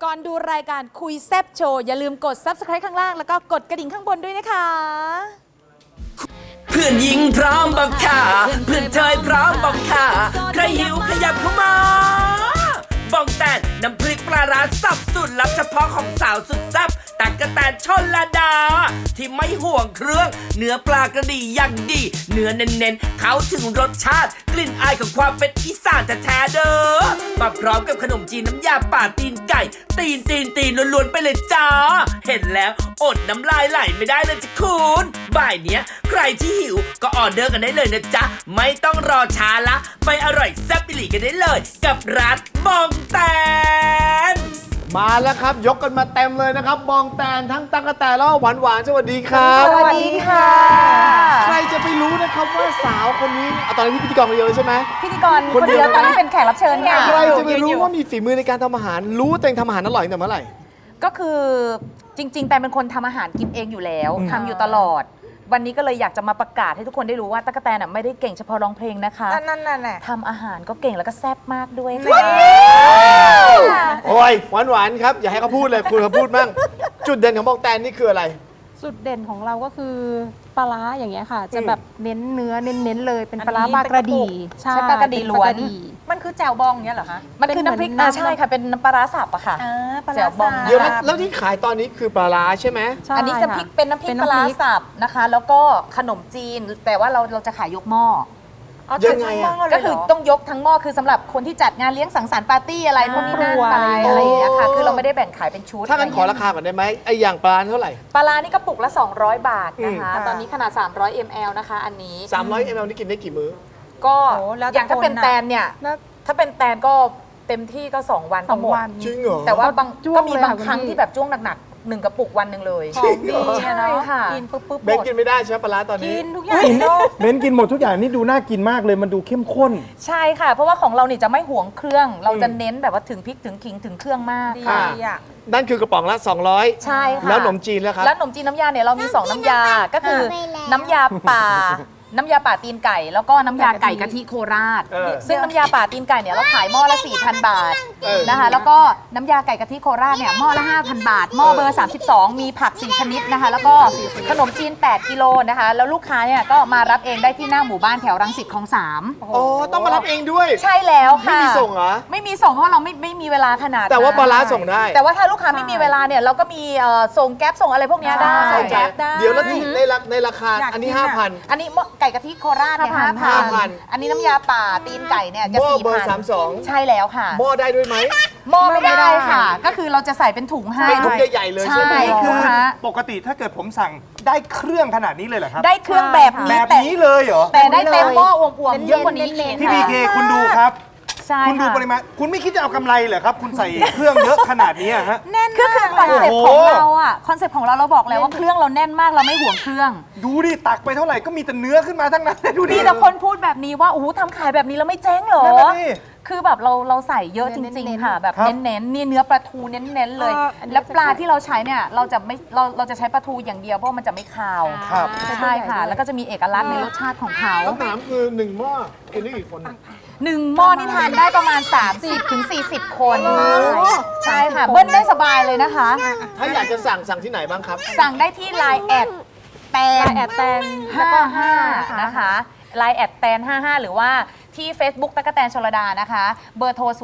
ก่อนดูรายการคุยแซบโชว์อย่าลืมกด Subscribe ข้างล่างแล้วก็กดกระดิ่งข้างบนด้วยนะคะเพื่อนหญิงพร้อมบอกค่ะเพื่อนเธอพร้อมบอกค่ะใครหิวขยับเข้ามาบอกแต่น้ำพริกปลาร้าสับสุดลับเฉพาะของสาวสุดแซ่บตั๊กแตนชลดาที่ไม่ห่วงเครื่องเนื้อปลากระดีอย่างดีเนื้อเน้นๆเขาถึงรสชาติกลิ่นอายของความเป็นอีสานแท้ๆเด้อมาพร้อมกับขนมจีนน้ำยาป่าตีนไก่ตีนล้วนๆไปเลยจ้าเห็นแล้วอดน้ำลายไหลไม่ได้เลยจ้ะคุณบ่ายเนี้ยใครที่หิวก็ออเดอร์กันได้เลยนะจ๊ะไม่ต้องรอช้าละไปอร่อยแซ่บอิหลีกันได้เลยกับร้านบองแตนมาแล้วครับยกกันมาเต็มเลยนะครับบองแตนทั้งตั๊กแตนแล้วก็หวานหวานสวัสดีครับสวัสดีค่ะใครจะไปรู้นะครับว่าสาวคนนี้ตอนนี้พิธีกรคนเดียวเลยใช่ไหมพิธีกรคนเดียวตอนนี้เป็นแขกรับเชิญค่ะใครจะไปรู้ว่ามีฝีมือในการทำอาหารรู้ตัวเองทำอาหารอร่อยตั้งแต่เมื่อไหร่ก็คือจริงๆแต่เป็นคนทำอาหารกินเองอยู่แล้วทำอยู่ตลอด วันนี้ก็เลยอยากจะมาประกาศให้ทุกคนได้รู้ว่าตั๊กแตนน่ะไม่ได้เก่งเฉพาะร้องเพลงนะคะนั่นแหละทำอาหารก็เก่งแล้วก็แซ่บมากด้วยค่ะโอ้ยหวานหวานครับอย่าให้เขาพูดเลยคุณเขาพูดบ้างจุดเด่นของบองแตนนี่คืออะไรจุดเด่นของเราก็คือปลาร้าอย่างเงี้ยค่ะ จะแบบเน้นเนื้อเน้นเลยเป็นปลาร้าปลากระดีใช่ปลากระดีล้วนมันคือแจ่วบองเนี้ยเหรอคะมันคือน้ำพริกใช่ค่ะเป็นน้ำปลาร้าสับอะค่ะปลาแจ่วบองเดี๋ยวนะแล้วที่ขายตอนนี้คือปลาร้าใช่ไหมใช่อันนี้จะพริกเป็นน้ำพริกปลาร้าสับนะคะ แล้วก็ขนมจีน แต่ว่าเราจะขายยกหม้อยังไงอะก็คือต้องยกทั้งหม้อคือสำหรับคนที่จัดงานเลี้ยงสังสรรค์ปาร์ตี้อะไรพวกนี้นั่นไปอะไรอย่างเงี้ยค่ะคือเราไม่ได้แบ่งขายเป็นชุดถ้างั้นขอราคาก่อนได้ไหมไออย่างปลาเท่าไหร่ปลาร้านี่กระปุกละ200 บาทนะคะตอนนี้ขนาด300 ml นะคะอันนี้ 300 ml นี่กินได้กี่มื้อก็โอ้แล้วแต่อย่างถ้าเป็นคนน่ะแตนเนี่ยถ้าเป็นแตนก็เต็มที่ก็2 วันสก็องหมดวันจริงเหรอแต่ว่าบางจ้วงก็มีเลยบางค่ะครั้งคุณพี่ที่แบบจ้วงหนักๆ1 กระปุกวันหนึ่งเลยจริงเหรอใช่ค่ะกินปุ๊บหเบมนดกินไม่ได้ใช่ไหมปลาร้าตอนนี้กินทุกอย่างเบนกินหมดทุกอย่างนี่ดูน่ากินมากเลยมันดูเข้มข้นใช่ค่ะ เพราะว่าของเราเนี่ยจะไม่หวงเครื่อง เราจะเน้นแบบว่าถึงพริกถึงขิงถึงเครื่องมากดีค่ะอ่ะนั่นคือกระป๋องละ 200 ใช่ค่ะแล้วขนมจีนแล้วครับแล้วขนมจีนน้ำยาเนี่ยเรามี 2 น้ำยา ก็คือน้ำยาป่า น้ำยาป่าตีนไก่ แล้วก็น้ำยาไก่กะทิโคราชเออซึ่งน้ำยาป่าตีนไก่เนี่ยเราขายหม้อละ 4,000 บาทเออนะคะ แล้วก็น้ำยาไก่กะทิโคราชเนี่ยหม้อละ 5,000 บาท หม้อเบอร์ 32 มีผัก 4 ชนิดนะคะ แล้วก็ขนมจีน 8 กิโลนะคะ แล้วลูกค้าเนี่ยก็มารับเองได้ที่หน้าหมู่บ้านแถวรังสิตคลอง 3 อ๋อต้องมารับเองด้วยใช่แล้วค่ะไม่มีส่งเหรอไม่มีส่งเพราะเราไม่มีเวลาขนาดนั้นแต่ว่าปลาร้าส่งได้แต่ว่าถ้าลูกค้าไม่มีเวลาเนี่ยเราก็มีส่งแก๊ปส่งอะไรพวกเนี้ยได้เข้าใจแก๊ปได้เดี๋ยวแล้วที่ในราคาอยากอันนี้กินอะ 5,000 อันนี้ไก่กะทิโคราชเนี่ย 5,000 อันนี้น้ำยาป่าตีนไก่เนี่ยจะหม้อเบอร์ 4,000 32 ใช่แล้วค่ะหม้อได้ด้วยไหมหม้อไม่ได้ค่ะ ก็คือเราจะใส่เป็นถุงให้เป็นถุงใหญ่ๆเลยใช่ไหมคือค่ะปกติถ้าเกิดผมสั่งได้เครื่องขนาดนี้เลยเหรอครับได้เครื่องแบบแบนี้บนี้เลยเหรอแต่ได้เต็มหม้ออวมๆเยอะกว่านี้อีกพี่พีเคคุณดูครับใช่คุณดูค่ะปริมาณคุณไม่คิดจะเอากำไรเหรอครับ คุณใส่เครื่องเยอะขนาดนี้อะฮะคือคอนเซ็ปต์ของเราอะคอนเซ็ปต์ของเราบอกแล้วว่าเครื่องเราแน่นมากเราไม่ห่วงเครื่องดูดิตักไปเท่าไหร่ก็มีแต่เนื้อขึ้นมาทั้งนั้นดูดิมีแต่คนพูดแบบนี้ว่าโอ้โหทำขายแบบนี้แล้วไม่เจ๊งเหรอนั่นน่ะสิคือแบบเราใส่เยอะจริง ๆ ค่ะ แบบครับเน้นๆนี่เนื้อปลาทูเน้นๆเลย แล้วปลาที่เราใช้เนี่ยเราจะใช้ปลาทูอย่างเดียวเพราะมันจะไม่คาวครับใช่ค่ะ แล้วก็จะมีเอกลักษณ์ในรสชาติของเขาคำถามคือ 1 หม้อกินได้กี่คน 1 หม้อนี่ทานได้ประมาณ 30 ถึง 40 คนใช่ค่ะ เบิ้ลได้สบายเลยนะคะถ้าอยากจะสั่งที่ไหนบ้างครับสั่งได้ที่ Line แอดแตนแอดแตนแล้วก็ 55 55 นะคะ Line แอดแตน55 หรือว่าที่ Facebook ตั๊กแตนชลดานะคะ เบอร์โทร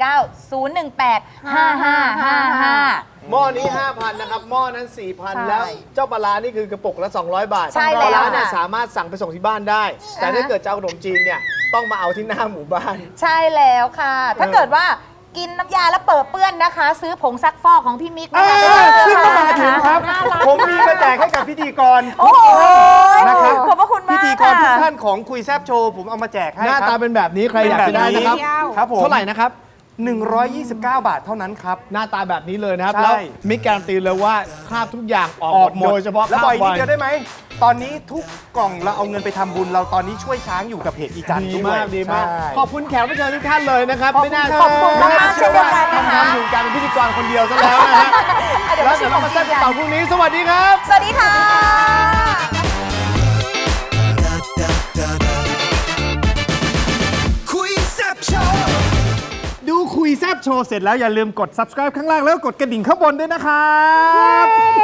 0890185555 หม้อนี้ 5,000 นะครับ หม้อนั้น 4,000 แล้วเจ้าปลาร้านี่คือกระปุกละ 200 บาทใช่ปแล้วลาร้าเนี่ยค่ะสามารถสั่งไปส่งที่บ้านได้ แต่ถ้าเกิดจะเอาขนมจีนเนี่ยต้องมาเอาที่หน้าหมู่บ้านใช่แล้วค่ะ ถ้าเกิดว่ากินน้ำยาแล้วเปิดเปื้อนนะคะ ซื้อผงซักฟอกของพี่มิกนะคะขึ้นมาถึงครับ ผมมีมาแจกให้กับพิธีกรโอ้โหนะครับขอบพระคุณมากพิธีกรทุกค่ะท่านของคุยแซบโชว์ผมเอามาแจกให้หน้าคตารับเป็นแบบนี้ใครอยากจะได้นะครับครับผมเท่าไหร่นะครับ 129 บาทเท่านั้นครับหน้าตาแบบนี้เลยนะครับใช่แล้วมิกการันตีเลยว่าคราบทุกอย่างออกหมดโดยเฉพาะแล้วคราบ่บอยนิดเดียวได้ไหม ตอนนี้ทุกกล่องเราเอาเงินไปทำบุญเราตอนนี้ช่วยช้างอยู่กับเพจอีจันทร์ดีด้วยมากดีมากใช่ขอบคุณแขกรับเชิญทุกท่านเลยนะครับขอบคุณไม่น่าครับขอบคุณมากๆเช่นเดียวกันนะคะทำอยู่การเป็นพิธีกรคนเดียวซะแล้วนะฮะเดี๋ยวแล้วมาชิเดี๋ยวเรามขมาองแซ่จีบนกันกัต่อน พรุ่งนี้ สวัสดีครับสวัสดีค่ะคุยแซ่บโชว์ดูคุยคุยแซบโชว์เสร็จแล้วอย่าลืมกด subscribe ข้างล่างแล้วกดกระดิ่งข้างบนด้วยนะครับ